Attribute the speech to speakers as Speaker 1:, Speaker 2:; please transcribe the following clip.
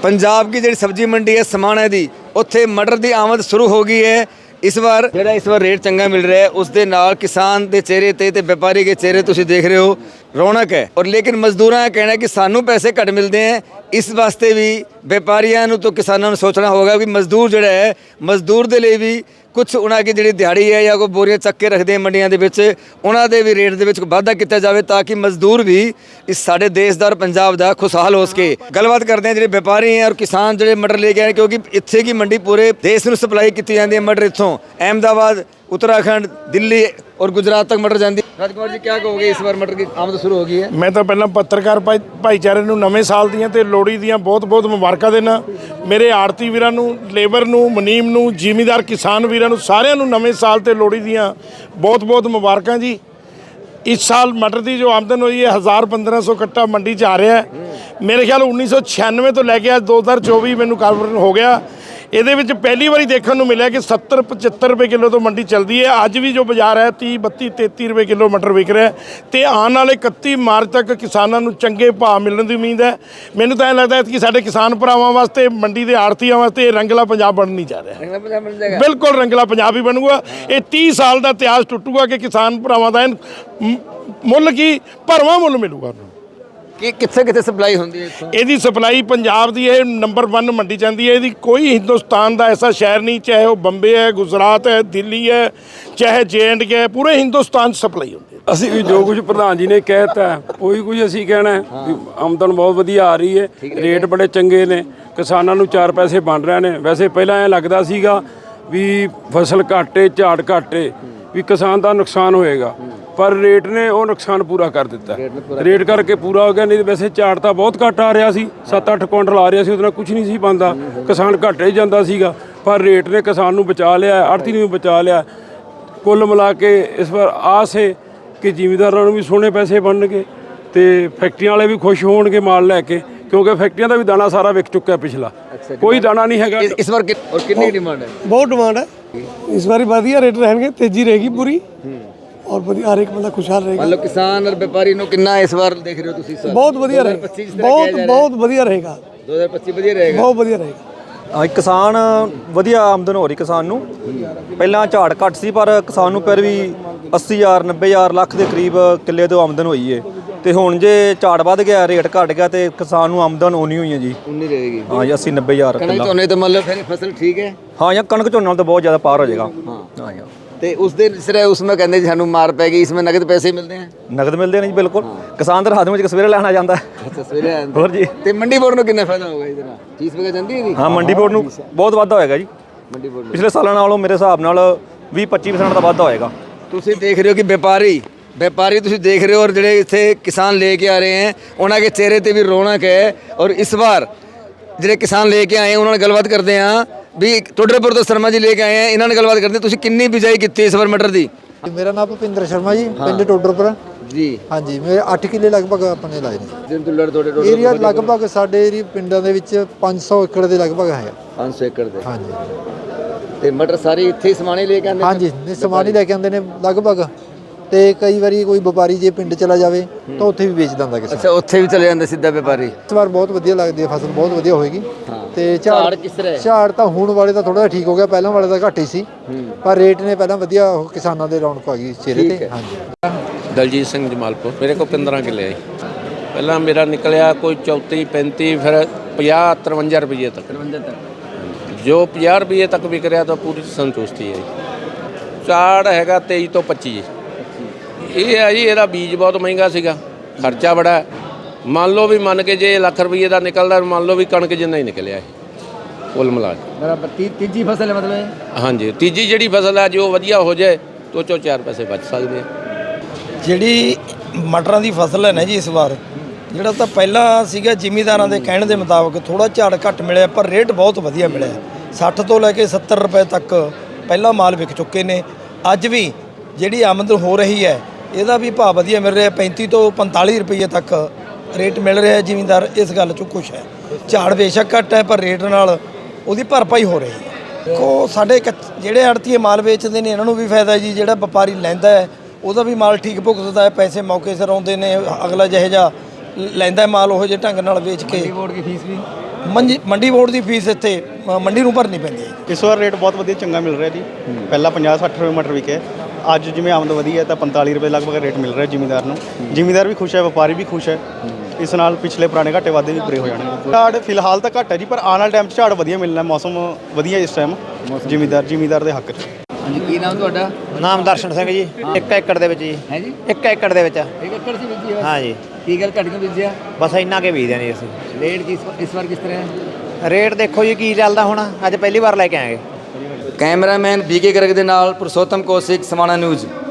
Speaker 1: पंजाब की जी सब्जी मंडी है समाणे दी, उत्थे मटर की आमद शुरू हो गई है। इस बार रेट चंगा मिल रहा है, उस दे नाल किसान के चेहरे ते व्यापारी के चेहरे तुसीं देख रहे हो रौनक है। और लेकिन मजदूरों का कहना है कि सानू पैसे घट मिलते हैं, इस वास्ते भी व्यापारियों तो किसानों ने सोचना होगा कि मजदूर जोड़ा है, मजदूर के लिए भी कुछ उन्होंने जी दिहाड़ी है या कोई बोरियां चक के रखते हैं मंडियां दे विच, उन्होंने भी रेट के वाधा किया जाए ताकि मजदूर भी इस साडे देश का और पंजाब का खुशहाल हो सके। गलबात करते हैं जो व्यापारी हैं और किसान जो मटर लेके आए, क्योंकि इत्थे की मंडी पूरे देश में सप्लाई की जाती है। मटर इत्थों अहमदाबाद, उत्तराखंड, दिल्ली और गुजरात तक मटर जाती है। राजकुमार जी क्या कहोगे, इस बार मटर की आमद शुरू हो गई है?
Speaker 2: मैं तो पहला पत्रकार भाईचारे ਨੂੰ ਨਵੇਂ ਸਾਲ ਦੀਆਂ ਤੇ ਲੋਹੜੀ ਦੀਆਂ ਬਹੁਤ-ਬਹੁਤ ਮੁਬਾਰਕਾਂ ਦੇਣਾ। ਮੇਰੇ ਆੜਤੀ ਵੀਰਾਂ ਨੂੰ, ਲੇਬਰ ਨੂੰ, ਮੁਨੀਮ ਨੂੰ, ਜ਼ਿਮੀਂਦਾਰ ਕਿਸਾਨ ਵੀਰਾਂ ਨੂੰ ਸਾਰਿਆਂ ਨੂੰ ਨਵੇਂ ਸਾਲ ਤੇ ਲੋਹੜੀ ਦੀਆਂ ਬਹੁਤ-ਬਹੁਤ ਮੁਬਾਰਕਾਂ ਜੀ। इस साल मटर की जो आमदन हुई है 1000-1500 कट्टा मंडी च आ रहा है। मेरे ख्याल 1996 तो लैके आज 2024 मैनू काफी हो गया। ये पहली बारी देखने को मिला कि 70-75 रुपए किलो तो मंडी चलती है। अज भी जो बाजार है 30-32-33 रुपए किलो मटर विक रहा है। तो आने वाले 31 मार्च तक किसानों को चंगे भाव मिलने की उम्मीद है। मैनू तो लगता है कि साढ़े किसान भरावां वास्ते, मंडी के आड़तियों वास्ते रंगला पंजाब बन नहीं जा रहा। बिल्कुल रंगला पंजाब ही बनूगा। ये 30 साल का इतिहास टुटूगा कि किसान भरावां का मुल की भरवां मुल मिलूगा।
Speaker 1: कि कित्थे कित्थे सप्लाई होंदी है?
Speaker 2: ਇਹਦੀ सप्लाई पंजाब की है नंबर 1 मंडी जाती है। ਇਹਦੀ कोई हिंदुस्तान का ऐसा शहर नहीं, चाहे वो बंबे है, गुजरात है, दिल्ली है, चाहे JNK है, पूरे हिंदुस्तान सप्लाई होती है।
Speaker 3: ਅਸੀਂ ਵੀ ਜੋ ਕੁਝ ਪ੍ਰਧਾਨ ਜੀ ਨੇ ਕਹਿਤਾ ਉਹੀ ਕੁਝ ਅਸੀਂ ਕਹਿਣਾ ਹੈ ਵੀ ਆਮਦਨ ਬਹੁਤ ਵਧੀਆ ਆ ਰਹੀ ਹੈ, ਰੇਟ ਬੜੇ ਚੰਗੇ ਨੇ, ਕਿਸਾਨਾਂ ਨੂੰ 4 ਪੈਸੇ ਬਣ ਰਹੇ ਨੇ। ਵੈਸੇ ਪਹਿਲਾਂ ਐ ਲੱਗਦਾ ਸੀਗਾ ਵੀ ਫਸਲ ਘਾਟੇ, ਝਾੜ ਘਾਟੇ, ਵੀ ਕਿਸਾਨ ਦਾ ਨੁਕਸਾਨ ਹੋਏਗਾ, पर रेट ने वो नुकसान पूरा कर दिता। रेट करके पूरा हो गया। नहीं तो वैसे झाड़ तो बहुत घट आ रहा सी, 7-8 कुंटल आ रहा सी, उस कुछ नहीं सी बनता, किसान घाटे ही जाता सीगा। पर रेट ने किसान नूं बचा लिया, आड़ती नूं बचा लिया। कुल मिला के इस बार आस है कि जिमींदारां नूं भी सोहणे पैसे बनणगे ते फैक्ट्रियां वाले भी खुश होणगे माल लैके, क्योंकि फैक्ट्रियां का भी दाना सारा विक चुका है पिछला। कोई दाना नहीं है
Speaker 1: इस बार। और कितनी डिमांड है?
Speaker 4: बहुत डिमांड है इस बार, वधिया रेट रहेंगे, तेजी रहेगी पूरी और हर एक बंदा खुशहाल रहेगा।
Speaker 1: मतलब किसान और व्यापारी नो कितना इस बार देख रहे हो तुसी? सर
Speaker 4: बहुत वधिया रहेगा, बहुत वधिया रहेगा।
Speaker 1: 2025 वधिया रहेगा,
Speaker 4: बहुत वधिया रहेगा।
Speaker 5: किसान वधिया आमदन हो रही किसान नूं। पहला झाड़ घट सी पर किसान नूं फिर भी 80,000 90,000 ਲੱਖ ਦੇ ਕਰੀਬ ਕਿੱਲੇ ਤੋਂ ਆਮਦਨ ਹੋਈ ਹੈ। ਤੇ ਹੁਣ ਜੇ ਝਾੜ ਵੱਧ ਗਿਆ, ਰੇਟ ਘਟ ਗਿਆ ਤੇ ਕਿਸਾਨ ਨੂੰ ਆਮਦਨ ਉਨੀ ਹੋਈ ਹੈ ਜੀ,
Speaker 1: ਉਨੀ ਰਹੇਗੀ।
Speaker 5: ਹਾਂ ਜੀ 80-90,000
Speaker 1: ਕਣਕ ਝੋਨੇ ਤੇ मतलब फिर फसल ठीक है।
Speaker 5: ਹਾਂ ਜਾਂ ਕਣਕ ਝੋਨੇ ਨਾਲ ਤਾਂ ਬਹੁਤ ਜ਼ਿਆਦਾ ਪਾਰ ਹੋ ਜਾਏਗਾ। ਹਾਂ ਯਾਰ
Speaker 1: ਤੇ ਉਸ ਦੇ ਸਿਰੇ ਉਸमें ਕਹਿੰਦੇ ਜੀ ਸਾਨੂੰ ਮਾਰ ਪੈ ਗਈ, इसमें ਨਗਦ ਪੈਸੇ ਮਿਲਦੇ ਹਨ?
Speaker 5: ਨਗਦ ਮਿਲਦੇ ਨੇ ਜੀ ਬਿਲਕੁਲ। ਕਿਸਾਨ ਤਾਂ ਰਾਤ ਵਿੱਚ ਸਵੇਰੇ ਲੈਣਾ ਜਾਂਦਾ।
Speaker 1: ਅੱਛਾ ਸਵੇਰੇ ਆਉਂਦਾ।
Speaker 5: ਹੋਰ ਜੀ।
Speaker 1: ਤੇ ਮੰਡੀ ਬੋਰਡ ਨੂੰ ਕਿੰਨਾ ਫਾਇਦਾ ਹੋਗਾ ਇਹਦੇ ਨਾਲ? ਫੀਸ ਵਗੈਰਾ ਜਾਂਦੀ ਹੈ ਜੀ?
Speaker 5: ਹਾਂ ਮੰਡੀ ਬੋਰਡ ਨੂੰ ਬਹੁਤ ਵਾਧਾ ਹੋਏਗਾ ਜੀ।
Speaker 1: ਮੰਡੀ ਬੋਰਡ
Speaker 5: ਪਿਛਲੇ ਸਾਲਾਂ ਨਾਲੋਂ ਮੇਰੇ ਹਿਸਾਬ ਨਾਲ 20-25% ਦਾ ਵਾਧਾ ਹੋਏਗਾ।
Speaker 1: ਤੁਸੀਂ ਦੇਖ ਰਹੇ ਹੋ ਕਿ व्यापारी ਤੁਸੀਂ देख रहे हो और ਜਿਹੜੇ ਇੱਥੇ किसान लेके आ रहे हैं ਉਹਨਾਂ के चेहरे ਤੇ भी रौनक है। और इस बार ਜਿਹੜੇ किसान लेके आए ਉਹਨਾਂ ਨਾਲ ਗੱਲਬਾਤ ਕਰਦੇ ਹਾਂ ਵੀ ਟੋਡਰਪੁਰ ਤੋਂ शर्मा जी लेके आए हैं, ਇਹਨਾਂ ਨਾਲ ਗੱਲਬਾਤ ਕਰਦੇ ਤੁਸੀਂ ਕਿੰਨੀ ਬਿਜਾਈ ਕੀਤੀ ਇਸ ਵਾਰ ਮਟਰ ਦੀ?
Speaker 6: मेरा नाम भुपिंदर शर्मा जी, पिंड टोडरपुर
Speaker 1: जी।
Speaker 6: हाँ जी, मेरे 8 किले लगभग अपने लाए ने। एरिया लगभग साढ़े पिंडों ਦੇ ਵਿੱਚ 500 ਏਕੜ ਦੇ ਲਗਭਗ ਹੈ।
Speaker 1: 500 ਏਕੜ ਦੇ?
Speaker 6: हाँ जी।
Speaker 1: ਤੇ ਮਟਰ ਸਾਰੇ ਇੱਥੇ ਹੀ ਸਮਾਨ ਹੀ ਲੈ ਕੇ ਆਉਂਦੇ?
Speaker 6: हाँ जी, ਸਮਾਨ ਹੀ ਲੈ ਕੇ ਆਉਂਦੇ ਨੇ ਲਗਭਗ। ਤੇ ਕਈ ਵਾਰੀ ਕੋਈ ਵਪਾਰੀ ਜੇ ਪਿੰਡ ਚਲਾ ਜਾਵੇ ਤਾਂ ਉੱਥੇ ਵੀ ਵੇਚ ਦਿੰਦਾ ਕਿਸੇ।
Speaker 1: ਅੱਛਾ ਉੱਥੇ ਵੀ ਚਲੇ ਜਾਂਦੇ ਸਿੱਧਾ ਵਪਾਰੀ?
Speaker 6: ਇਸ ਵਾਰ ਬਹੁਤ ਵਧੀਆ ਲੱਗਦੀ ਹੈ, ਫਸਲ ਬਹੁਤ ਵਧੀਆ ਹੋਏਗੀ। ਤੇ
Speaker 1: ਝਾੜ ਕਿਸ ਤਰ੍ਹਾਂ?
Speaker 6: ਝਾੜ ਤਾਂ ਹੁਣ ਵਾਲੇ ਤਾਂ ਥੋੜਾ ਜਿਹਾ ਠੀਕ ਹੋ ਗਿਆ, ਪਹਿਲਾਂ ਵਾਲੇ ਤਾਂ ਘੱਟ ਹੀ ਸੀ, ਪਰ ਰੇਟ ਨੇ ਪਹਿਲਾਂ ਵਧੀਆ ਕਿਸਾਨਾਂ ਦੇ ਰੌਣਕ ਆ ਗਈ ਚਿਹਰੇ ਤੇ। ਹਾਂਜੀ।
Speaker 7: ਦਲਜੀਤ ਸਿੰਘ ਜਮਾਲਪੁਰ। ਮੇਰੇ ਕੋਲ 15 ਕਿੱਲੇ ਆਏ। ਪਹਿਲਾਂ ਮੇਰਾ ਨਿਕਲਿਆ ਕੋਈ 34-35, ਫਿਰ 50-53 ਰੁਪਏ ਤੱਕ। ਜੋ 50 ਰੁਪਏ ਤੱਕ ਵਿਕ ਰਿਹਾ ਤਾਂ ਪੂਰੀ ਸੰਤੁਸ਼ਟੀ ਹੈ। ਝਾੜ ਹੈਗਾ 23 ਤੋਂ 25। ਇਹ ਹੈ ਜੀ, ਇਹਦਾ ਬੀਜ ਬਹੁਤ ਮਹਿੰਗਾ ਸੀਗਾ, ਖਰਚਾ ਬੜਾ। ਮੰਨ ਲਓ ਵੀ ਮੰਨ ਕੇ ਜੇ ਲੱਖ ਰੁਪਏ ਦਾ ਨਿਕਲਦਾ, ਮੰਨ ਲਓ ਵੀ ਕਣਕ ਜਿੰਨਾ ਹੀ ਨਿਕਲਿਆ ਇਹ ਕੁੱਲ ਮਿਲਾ ਕੇ।
Speaker 1: ਬਰਾਬਰ ਤੀਜੀ ਫਸਲ ਹੈ ਮਤਲਬ?
Speaker 7: ਹਾਂਜੀ, ਤੀਜੀ ਜਿਹੜੀ ਫਸਲ ਹੈ ਜੋ ਵਧੀਆ ਹੋ ਜਾਏ ਤਾਂ 4 ਪੈਸੇ ਬਚ ਸਕਦੇ ਆ।
Speaker 8: ਜਿਹੜੀ ਮਟਰਾਂ ਦੀ ਫਸਲ ਹੈ ਨਾ ਜੀ, ਇਸ ਵਾਰ ਜਿਹੜਾ ਤਾਂ ਪਹਿਲਾਂ ਸੀਗਾ ਜ਼ਿਮੀਂਦਾਰਾਂ ਦੇ ਕਹਿਣ ਦੇ ਮੁਤਾਬਕ ਥੋੜਾ ਝਾੜ ਘੱਟ ਮਿਲਿਆ, ਪਰ ਰੇਟ ਬਹੁਤ ਵਧੀਆ ਮਿਲਿਆ। 60 ਤੋਂ ਲੈ ਕੇ 70 ਰੁਪਏ ਤੱਕ ਪਹਿਲਾਂ ਮਾਲ ਵਿਕ ਚੁੱਕੇ ਨੇ। ਅੱਜ ਵੀ ਜਿਹੜੀ ਆਮਦਨ ਹੋ ਰਹੀ ਹੈ ਇਹਦਾ ਵੀ ਭਾਅ ਵਧੀਆ ਮਿਲ ਰਿਹਾ। 35 ਤੋਂ 45 ਰੁਪਏ ਤੱਕ ਰੇਟ ਮਿਲ ਰਿਹਾ ਹੈ। ਜ਼ਿਮੀਂਦਾਰ ਇਸ ਗੱਲ 'ਚੋਂ ਖੁਸ਼ ਹੈ। ਝਾੜ ਬੇਸ਼ੱਕ ਘੱਟ ਹੈ, ਪਰ ਰੇਟ ਨਾਲ ਉਹਦੀ ਭਰਪਾਈ ਹੋ ਰਹੀ ਹੈ। ਦੇਖੋ ਸਾਡੇ ਜਿਹੜੇ ਆੜਤੀਏ ਮਾਲ ਵੇਚਦੇ ਨੇ ਇਹਨਾਂ ਨੂੰ ਵੀ ਫਾਇਦਾ ਜੀ, ਜਿਹੜਾ ਵਪਾਰੀ ਲੈਂਦਾ ਹੈ ਉਹਦਾ ਵੀ ਮਾਲ ਠੀਕ ਭੁਗਤਦਾ ਹੈ, ਪੈਸੇ ਮੌਕੇ ਸਿਰ ਆਉਂਦੇ ਨੇ। ਅਗਲਾ ਜਿਹੇ ਜਿਹਾ ਲੈਂਦਾ ਮਾਲ ਉਹ ਜਿਹੇ ਢੰਗ ਨਾਲ ਵੇਚ ਕੇ।
Speaker 1: ਮੰਡੀ ਬੋਰਡ ਦੀ ਫੀਸ ਵੀ?
Speaker 8: ਮੰਡੀ ਬੋਰਡ ਦੀ ਫੀਸ ਇੱਥੇ ਮੰਡੀ ਨੂੰ ਭਰਨੀ ਪੈਂਦੀ ਹੈ।
Speaker 9: ਇਸ ਵਾਰ ਰੇਟ ਬਹੁਤ ਵਧੀਆ ਚੰਗਾ ਮਿਲ ਰਿਹਾ ਜੀ। ਪਹਿਲਾਂ 50-60 ਰੁਪਏ ਮਟਰ ਵਿਕੇ, ਅੱਜ ਜਿਵੇਂ ਆਮਦ ਵਧੀ ਹੈ ਤਾਂ 45 ਰੁਪਏ ਲਗਭਗ ਰੇਟ ਮਿਲ ਰਿਹਾ ਜ਼ਿਮੀਂਦਾਰ ਨੂੰ। ਜ਼ਿਮੀਂਦਾਰ ਵੀ ਖੁਸ਼ ਹੈ, ਵਪਾਰੀ ਵੀ ਖੁਸ਼ ਹੈ। ਇਸ ਨਾਲ ਪਿਛਲੇ ਪੁਰਾਣੇ ਘਾਟੇ ਵਾਧੇ ਵੀ ਪੂਰੇ ਹੋ ਜਾਣਗੇ। ਝਾੜ ਫਿਲਹਾਲ ਤਾਂ ਘੱਟ ਹੈ ਜੀ, ਪਰ ਆਉਣ ਵਾਲੇ ਟਾਈਮ 'ਚ ਝਾੜ ਵਧੀਆ ਮਿਲਣਾ, ਮੌਸਮ ਵਧੀਆ ਇਸ ਟਾਈਮ ਜ਼ਿਮੀਂਦਾਰ ਦੇ ਹੱਕ 'ਚ।
Speaker 1: ਹਾਂਜੀ, ਕੀ ਨਾਮ ਤੁਹਾਡਾ?
Speaker 10: ਨਾਮ ਦਰਸ਼ਨ ਸਿੰਘ ਜੀ। 1 ਏਕੜ ਦੇ ਵਿੱਚ ਜੀ।
Speaker 1: ਹੈ ਜੀ,
Speaker 10: 1 ਏਕੜ ਦੇ ਵਿੱਚ।
Speaker 1: 1 ਏਕੜ ਸੀ ਬੀਜੀ ਹੈ?
Speaker 10: ਹਾਂ ਜੀ।
Speaker 1: ਕੀ ਗੱਲ ਘੱਟ ਕਿਉਂ ਬੀਜਿਆ?
Speaker 10: ਬਸ ਇੰਨਾ ਕੇ ਬੀਜਦੇ ਨੇ ਅਸੀਂ।
Speaker 1: ਰੇਟ ਇਸ ਵਾਰ ਕਿਸ ਤਰ੍ਹਾਂ ਹੈ?
Speaker 10: ਰੇਟ ਦੇਖੋ ਜੀ ਕੀ ਚੱਲਦਾ ਹੁਣ, ਅੱਜ ਪਹਿਲੀ ਵਾਰ ਲੈ ਕੇ ਆਏਗੇ।
Speaker 1: ਕੈਮਰਾਮੈਨ ਬੀਕੇ ਗਰਗ ਦੇ ਨਾਲ ਪੁਰਸ਼ੋਤਮ ਕੌਸ਼ਿਕ, ਸਮਾਣਾ ਨਿਊਜ਼।